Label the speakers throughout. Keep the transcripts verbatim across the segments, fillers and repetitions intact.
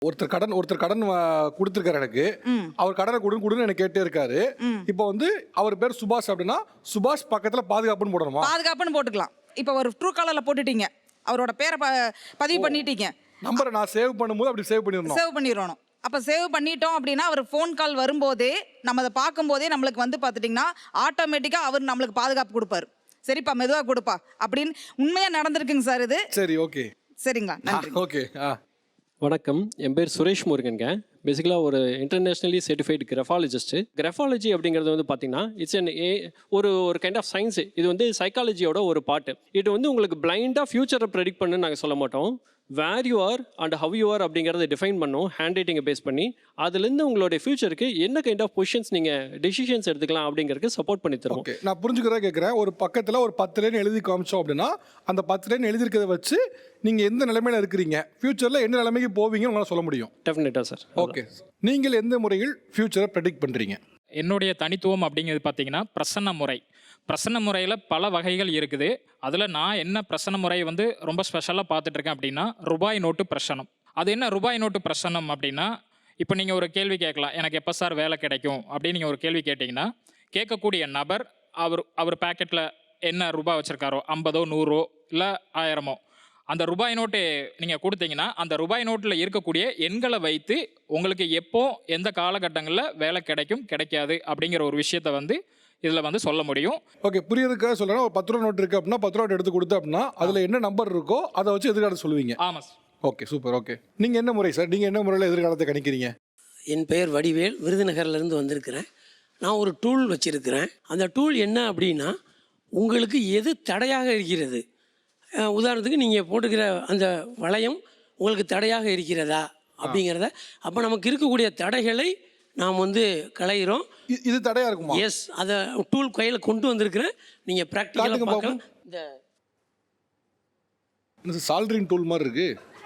Speaker 1: ஒருத்தர் கடன் ஒருத்தர் கடன் கொடுத்துருக்காரு எனக்கு. அவர் கடனை கொடுன்னு கொடுன்னு எனக்கு கேட்டே இருக்காரு. இப்போ வந்து அவர் பேர் சுபாஷ் அப்படின்னா சுபாஷ் பக்கத்துல பாதுகாப்புன்னு போடணுமா?
Speaker 2: பாதுகாப்புன்னு போட்டுக்கலாம். இப்போ ஒரு ட்ரூ காலர்ல போட்டுட்டீங்க, அவரோட பேரை பதிவு பண்ணிட்டீங்க,
Speaker 1: நம்பரை நான் சேவ் பண்ணும்போது அப்படி சேவ் பண்ணிடணும்.
Speaker 2: சேவ் பண்ணிடணும். அப்போ சேவ் பண்ணிட்டோம் அப்படின்னா அவர் ஃபோன் கால் வரும்போதே நம்ம அதை பார்க்கும்போதே நம்மளுக்கு வந்து பார்த்துட்டிங்கன்னா ஆட்டோமேட்டிக்காக அவர் நம்மளுக்கு பாதுகாப்பு கொடுப்பாரு. சரிப்பா மெதுவாக கொடுப்பா அப்படின்னு உண்மையாக நடந்திருக்குங்க சார் இது.
Speaker 1: சரி, ஓகே,
Speaker 2: சரிங்களா, நன்றி.
Speaker 1: ஓகே.
Speaker 3: வணக்கம், என் பேர் சுரேஷ் முருகன்ங்க. பேசிக்கலாக ஒரு இன்டர்நேஷ்னலி சர்டிஃபைடு கிராஃபாலஜிஸ்ட்டு. கிராஃபாலஜி அப்படிங்கிறது வந்து பார்த்தீங்கன்னா இட்ஸ் அன் ஏ ஒரு ஒரு கைண்ட் ஆஃப் சயின்ஸு. இது வந்து சைக்காலஜியோட ஒரு பாட்டு. இது வந்து உங்களுக்கு பிளைண்டாக ஃபியூச்சரை ப்ரெடிக்ட் பண்ணுன்னு நாங்கள் சொல்ல மாட்டோம். Where you are and how you are அப்படிங்கிறத டிஃபைன் பண்ணோம் ஹேண்ட் ரைட்டிங்கை பேஸ் பண்ணி. அதுலேருந்து உங்களுடைய ஃபியூச்சருக்கு என்ன கைண்ட் ஆஃப் பொசிஷன்ஸ் நீங்கள் டெசிஷன்ஸ் எடுத்துக்கலாம் அப்படிங்கிறதுக்கு சப்போர்ட் பண்ணி தருவோம்.
Speaker 1: ஓகே, நான் புரிஞ்சுக்கிறதா கேட்குறேன். ஒரு பக்கத்தில் ஒரு பத்து லைன் எழுதி காமிச்சோம் அப்படின்னா அந்த பத்து லைன் எழுதிருக்கிறத வச்சு நீங்கள் எந்த நிலைமையில் இருக்கிறீங்க, ஃபியூச்சரில் என்ன நிலைமைக்கு போவீங்கன்னு உங்களால் சொல்ல முடியும்.
Speaker 3: டெஃபினட்டாக சார்.
Speaker 1: ஓகே, நீங்கள் எந்த முறையில் ஃபியூச்சரை ப்ரெடிக்ட் பண்ணுறீங்க?
Speaker 4: என்னுடைய தனித்துவம் அப்படிங்கிறது பார்த்தீங்கன்னா பிரசன்ன முறை. பிரசன்ன முறையில் பல வகைகள் இருக்குது. அதில் நான் என்ன பிரசன்ன முறையை வந்து ரொம்ப ஸ்பெஷலாக பார்த்துட்ருக்கேன் அப்படின்னா ரூபாய் நோட்டு பிரசனம். அது என்ன ரூபாய் நோட்டு பிரசனம் அப்படின்னா, இப்போ நீங்கள் ஒரு கேள்வி கேட்கலாம், எனக்கு எப்போ சார் வேலை கிடைக்கும் அப்படின்னு நீங்கள் ஒரு கேள்வி கேட்டிங்கன்னா, கேட்கக்கூடிய நபர் அவர் அவர் பேக்கெட்டில் என்ன ரூபாய் வச்சுருக்காரோ, ஐம்பதோ நூறோ இல்லை ஆயிரமோ, அந்த ரூபாய் நோட்டு நீங்கள் கொடுத்தீங்கன்னா அந்த ரூபாய் நோட்டில் இருக்கக்கூடிய எண்களை வைத்து உங்களுக்கு எப்போ எந்த காலகட்டங்களில் வேலை கிடைக்கும் கிடைக்காது அப்படிங்கிற ஒரு விஷயத்தை வந்து இதில் வந்து சொல்ல முடியும்.
Speaker 1: ஓகே, புரியறதுக்காக சொல்லணும். ஒரு பத்து ரூபா நோட்டு இருக்குது அப்படின்னா பத்து ரூபா எடுத்து கொடுத்து அப்படின்னா அதில் என்ன நம்பர் இருக்கோ அதை வச்சு எதிர்காலத்தை சொல்லுவீங்க.
Speaker 4: ஆமாம் சார்.
Speaker 1: Okay, super. ஓகே, நீங்கள் என்ன முறை சார், நீங்கள் என்ன முறையில் எதிர்காலத்தை கணிக்கிறீங்க?
Speaker 5: என் பெயர் வடிவேல், விருதுநகர்லேருந்து வந்திருக்கிறேன். நான் ஒரு டூல் வச்சுருக்கிறேன். அந்த டூல் என்ன அப்படின்னா, உங்களுக்கு எது தடையாக இருக்கிறது, உதாரணத்துக்கு நீங்கள் போட்டுக்கிற அந்த வளையம் உங்களுக்கு தடையாக இருக்கிறதா அப்படிங்கிறத, அப்போ நமக்கு இருக்கக்கூடிய தடைகளை நாம் வந்து களைகிறோம்.
Speaker 1: இது தடையாக இருக்குமா?
Speaker 5: எஸ், அதை டூல் கையில் கொண்டு வந்திருக்கிறேன். நீங்கள் ப்ராக்டிக்கலாக பார்க்கலாம்.
Speaker 1: இந்த சால்ட்ரிங் டூல் மாதிரி இருக்கு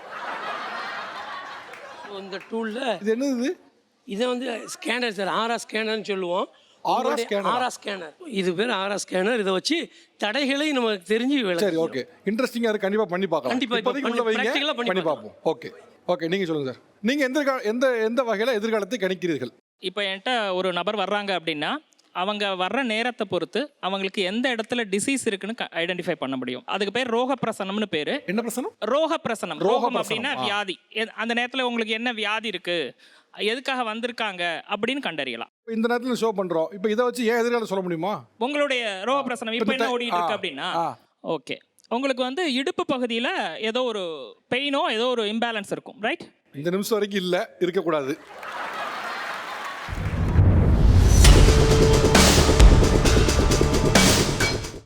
Speaker 5: இந்த டூலில்.
Speaker 1: இது என்னது?
Speaker 5: இதை வந்து ஸ்கேனர் சார், ஆரா ஸ்கேனர்னு சொல்லுவோம்.
Speaker 1: ஆரா ஸ்கேனர்.
Speaker 5: ஆரா ஸ்கேனர், இது பேர் ஆரா ஸ்கேனர். இதை வச்சு தடைகளை நமக்கு தெரிஞ்சு.
Speaker 1: சரி, ஓகே, இன்ட்ரெஸ்டிங்காக இருக்கு, கண்டிப்பாக பண்ணி பார்க்கலாம்.
Speaker 5: கண்டிப்பாக
Speaker 1: பண்ணி பார்ப்போம். ஓகே ஓகே, நீங்கள் சொல்லுங்கள் சார். நீங்கள் எந்த எந்த எந்த வகையில் எதிர்காலத்தை கணிக்கிறீர்கள்?
Speaker 6: இப்போ என்கிட்ட ஒரு நபர் வர்றாங்க அப்படின்னா அவங்க வர்ற நேரத்தை பொறுத்து அவங்களுக்கு எந்த இடத்துல டிசீஸ் இருக்குன்னு ஐடென்டிஃபை பண்ண முடியும். அதுக்கு பேர் ரோக பிரசனம்னு பேர்.
Speaker 1: என்ன பிரசனம்?
Speaker 6: ரோக பிரசனம். ரோகம் அப்படின்னா வியாதி. அந்த நேரத்தில் உங்களுக்கு என்ன வியாதி இருக்கு, எதுக்காக வந்திருக்காங்க அப்படின்னு கண்டறியலாம்.
Speaker 1: இந்த நேரத்தில் ஷோ பண்ணுறோம். இப்போ இதை வச்சு ஏன் எதிர்காலம் சொல்ல முடியுமா?
Speaker 6: உங்களுடைய ரோக பிரசனம் இப்போ என்ன ஓடிட்டு இருக்கு அப்படின்னா, ஓகே, உங்களுக்கு வந்து இடுப்பு பகுதியில் ஏதோ ஒரு பெயினோ ஏதோ ஒரு இம்பேலன்ஸ் இருக்கும், ரைட்?
Speaker 1: இந்த நிமிஷம் வரைக்கும் இல்லை, இருக்கக்கூடாது.